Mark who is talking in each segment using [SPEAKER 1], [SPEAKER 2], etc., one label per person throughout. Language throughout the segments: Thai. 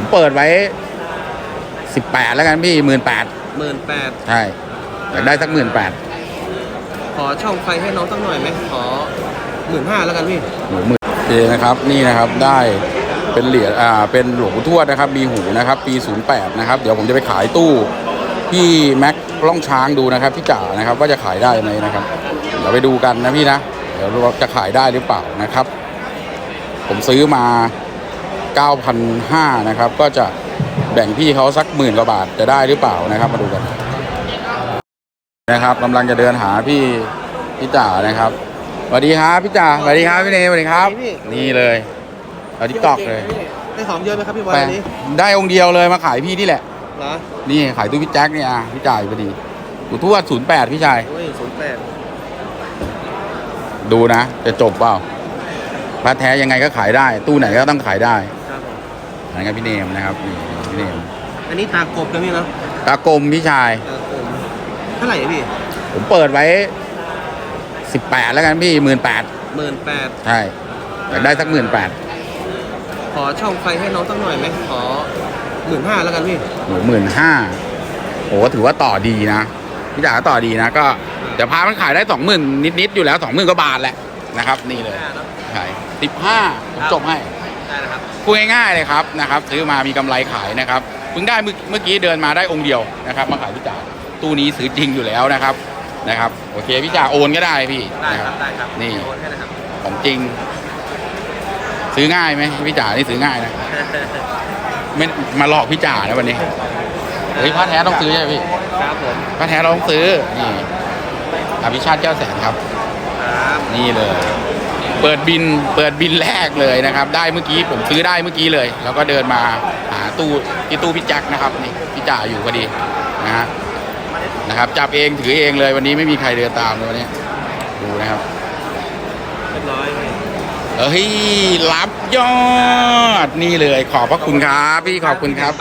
[SPEAKER 1] ผมเปิดไว้18แล้วกันพี่18,000ใช่อยากได้สัก18,000
[SPEAKER 2] ขอช่องไฟให้น้องสักหน่อยไหมขอ15,000แล้วกันพี่
[SPEAKER 1] โอเคนะครับนี่นะครับได้เป็นเหรียญเป็นหลวงปู่ทวดนะครับมีหูนะครับปี08นะครับเดี๋ยวผมจะไปขายตู้พี่แม็กล่องช้างดูนะครับพี่จ๋านะครับว่าจะขายได้ไหมนะครับเดี๋ยวไปดูกันนะพี่นะเดี๋ยวเราจะขายได้หรือเปล่านะครับผมซื้อมา9,500นะครับก็จะแบ่งพี่เขาสัก10,000 กว่าบาทจะได้หรือเปล่านะครับมาดูกันนะครับกำลังจะเดินหาพี่จ๋านะครับสวัสดีครับพี่จ๋าสวัสดีครับพี่เนยสวัสดีครับนี่เลยเอาทิกตอกเลย
[SPEAKER 2] ได้ของเยอะไหมครับพี่บอยวันนี้
[SPEAKER 1] ได้องค์เดียวเลยมาขายพี่นี่แหละ
[SPEAKER 2] เหรอ
[SPEAKER 1] นี่ขายตู้พี่แจ็คเนี่ยพี่จ่ายพอดีอยู่ทั่ว08พี่ชาย
[SPEAKER 2] 08
[SPEAKER 1] ดูนะจะจบเปล่าพระแท้ยังไงก็ขายได้ตู้ไหนก็ต้องขายได้
[SPEAKER 2] ครับ
[SPEAKER 1] อันนี้พี่เนมนะครับพี่เนม
[SPEAKER 2] อันนี้ตากบนะพี่เนาะ
[SPEAKER 1] ตากลมพี่ชาย
[SPEAKER 2] เท่าไหร่พี่
[SPEAKER 1] ผมเปิดไว้18แล้วกันพี่18,000ใช่อยากได้สัก18,000
[SPEAKER 2] ขอช่องไฟให้น้องสักหน่อยไหมขอ15,000แล้วกันพี่
[SPEAKER 1] 15,000โอ้ถือว่าต่อดีนะพี่จ๋าต่อดีนะก็เดี๋ยวพามันขายได้20,000นิดๆอยู่แล้ว20,000 กว่าบาทแหละนะครับนี่เลยใช่15ผมจบให้
[SPEAKER 2] ได้นะครับ
[SPEAKER 1] พูดง่ายๆเลยครับนะครับซื้อมามีกำไรขายนะครับเพิ่งได้เมื่อกี้เดินมาได้องค์เดียวนะครับมาขายพี่จ๋าตู้นี้ซื้อจริงอยู่แล้วนะครับโอเคพี่จ๋าโอนก็ได้พี่
[SPEAKER 2] ได้ครับ
[SPEAKER 1] นี่ของจริงซื้อง่ายไหมพี่จ๋านี่ซื้อง่ายนะไม่มาหลอกพี่จ๋านะวันนี้เฮ้ยพระแท้ต้องซื้อใช่ไหมพี่
[SPEAKER 2] ครับผม
[SPEAKER 1] พระแท้เราต้องซื้อนี่อภิชาติแก้วแสนครับนี่เลยเปิดบินแรกเลยนะครับได้เมื่อกี้ผมซื้อได้เมื่อกี้เลยแล้วก็เดินมาหาตู้พี่แจ็คนะครับนี่พี่จ๋าอยู่พอดีนะครับจับเองถือเองเลยวันนี้ไม่มีใครเดินตามเลยวันนี้ดูนะครับ
[SPEAKER 2] เรียบร้อย
[SPEAKER 1] เฮ้ยรับยอดนี่เลยขอบพระคุณครับพี่ขอบคุณครับ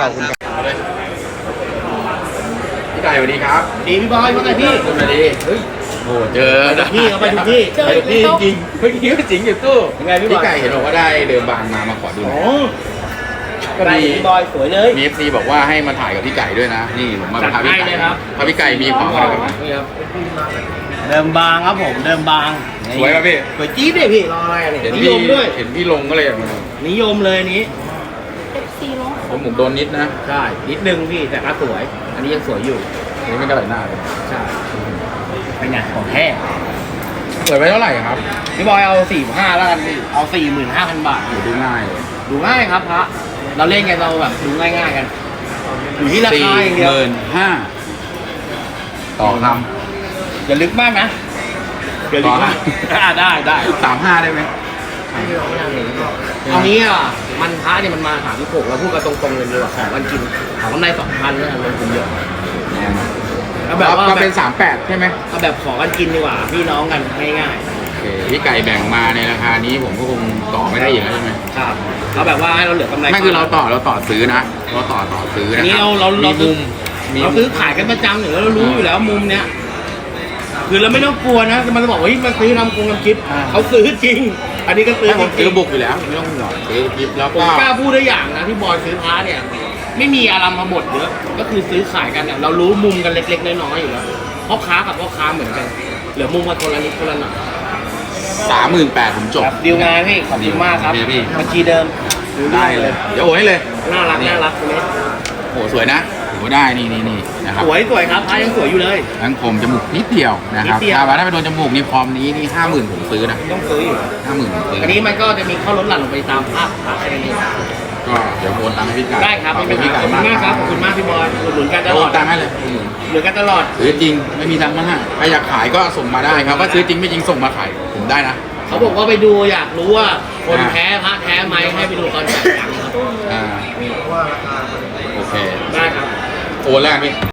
[SPEAKER 1] พี่ไก่สวัสดีครับ
[SPEAKER 2] ดีพี่บอยว่าไงพี่
[SPEAKER 1] สวัสดีเฮ้ยโอ้เจอ
[SPEAKER 2] พี่เอาไปทุกที่
[SPEAKER 1] จริงเมื่อกี้จริงอยู่ตู้ยังไงพี่ไก่เห็นบอกว่าได้เดินบางมาขอดูหน่อย
[SPEAKER 2] ก็ดีพี่บอยสวยเลย
[SPEAKER 1] มี FC บอกว่าให้มาถ่ายกับพี่ไก่ด้วยนะนี่ผมมาพาพี่ไก่ครับพาพี่ไก่มีของอะไรบ้าง
[SPEAKER 2] เดิมบางครับผมเดิมบาง
[SPEAKER 1] สวยครับพี่
[SPEAKER 2] สวยจี๊ดเลยพี่รออะไรเนี่ยนิยมด้วย
[SPEAKER 1] เห็นพี่ลงก็เลย
[SPEAKER 2] นิยมเลยนี้
[SPEAKER 1] ผมโดนนิดนะ
[SPEAKER 2] ใช่นิดนึงพี่แต่ก็สวยอันนี้ยังสวยอยู่
[SPEAKER 1] นี่ไม่กระไรหน้าเลย
[SPEAKER 2] ใช่เป็นไงของแท้
[SPEAKER 1] เปิดไว้เท่าไหร่ครับ
[SPEAKER 2] พี่บอยเอา45,000แล้วกันพี่เอา45,000 บาท
[SPEAKER 1] ดูง่ายเลย
[SPEAKER 2] ดูง่ายครับพระเราเล่นกันเราแบบดูง่ายๆกันอยู่ที่ราคาอย่างเดียว
[SPEAKER 1] 45,000ต่อคำ
[SPEAKER 2] อย่าลึกมากนะอย่าลึกมากได้
[SPEAKER 1] 35,000ได้ไหม
[SPEAKER 2] เอางี้อ่ะมันพระเนี่ยมันมา36เราพูดกันตรงๆเลยดีกว่าของมันกินของกำไร2,000แล้วลงทุนเยอะ
[SPEAKER 1] แบบว่าเป็น38ใช่ไหม
[SPEAKER 2] เอาแบบขอกันกินดีกว่าพี่น้องกันง่าย
[SPEAKER 1] ๆพี่ไก่แบ่งมาในราคานี้ผมก็คงต่อไม่ได้อย่างนั้นใช่ไหม
[SPEAKER 2] ครับเราแบบว่าให้เราเหลือกำไร
[SPEAKER 1] ไม่คือเราต่อซื้อนะเราต่อซื้อนะ
[SPEAKER 2] นี่เราซื้อขายกันประจำอยู่แล้วเรารู้อยู่แล้วมุมเนี้ยคือเราไม่ต้องกลัวนะมันจะบอกว่ามันซื้อทำคลิปเขาซื้อจริงอันนี้ก็ซื้อจริง
[SPEAKER 1] ซื้อบุกอยู่แล้วไม่ต้องห่วงซื้อคลิปแล้วก็
[SPEAKER 2] กล้าพูดได้อย่างนะที่บอยซื้อพระเนี่ยไม่มีอารมณ์มาบดเยอะก็คือซื้อขายกันเนี่ยเรารู้มุมกันเล็กๆน้อยๆอยู่แล้วพ่อค้ากับพ่อค้าเหมือนกันเหลือมุมกันคนละนิดคนละหน่อย
[SPEAKER 1] 38,000ผมจบ
[SPEAKER 2] ดีลงานพี่ขอบคุณมากครับบัญชีเดิม
[SPEAKER 1] ได้เลยเดี๋ยวโอนให้เลย
[SPEAKER 2] น่ารักคนนี้
[SPEAKER 1] โอ้สวยนะถือว่าได้นี่นะครับ
[SPEAKER 2] สวยครับพระยังสวยอยู่เลย
[SPEAKER 1] ทั้งผมจมูกนิดเดียวนะครับถ้าไปโดนจมูกนี่ฟอร์มนี้นี่50,000ผมซื้อนะ
[SPEAKER 2] ต้องซื้ออยู่
[SPEAKER 1] 50,000ผมซื้อ
[SPEAKER 2] อันนี้มันก็จะมีเข้าลดหลั่นลงไปตามภาพแค่นี้
[SPEAKER 1] ก็เดี๋ยวโอนตังค์ให้พี่ไก่
[SPEAKER 2] ได้ครับขอบคุณมากครับขอบคุณมากพี่บอยหนุนกันตลอด
[SPEAKER 1] ตังค์ให้เลย
[SPEAKER 2] หนุนกันตลอด
[SPEAKER 1] ซื้อจริงไม่มีตังค์มาให้ใครอยากขายก็ส่งมาได้ครับว่าซื้อจริงไม่จริงส่งมาขายผมได้นะ
[SPEAKER 2] เขาบอกว่าไปดูอยากรู้ว่าคนแท้พระแท้ไหมให้ไปดูตอนจ่ายตังค์ครับ
[SPEAKER 1] โอเค
[SPEAKER 2] ได้ครับ
[SPEAKER 1] โอนแล้วพี่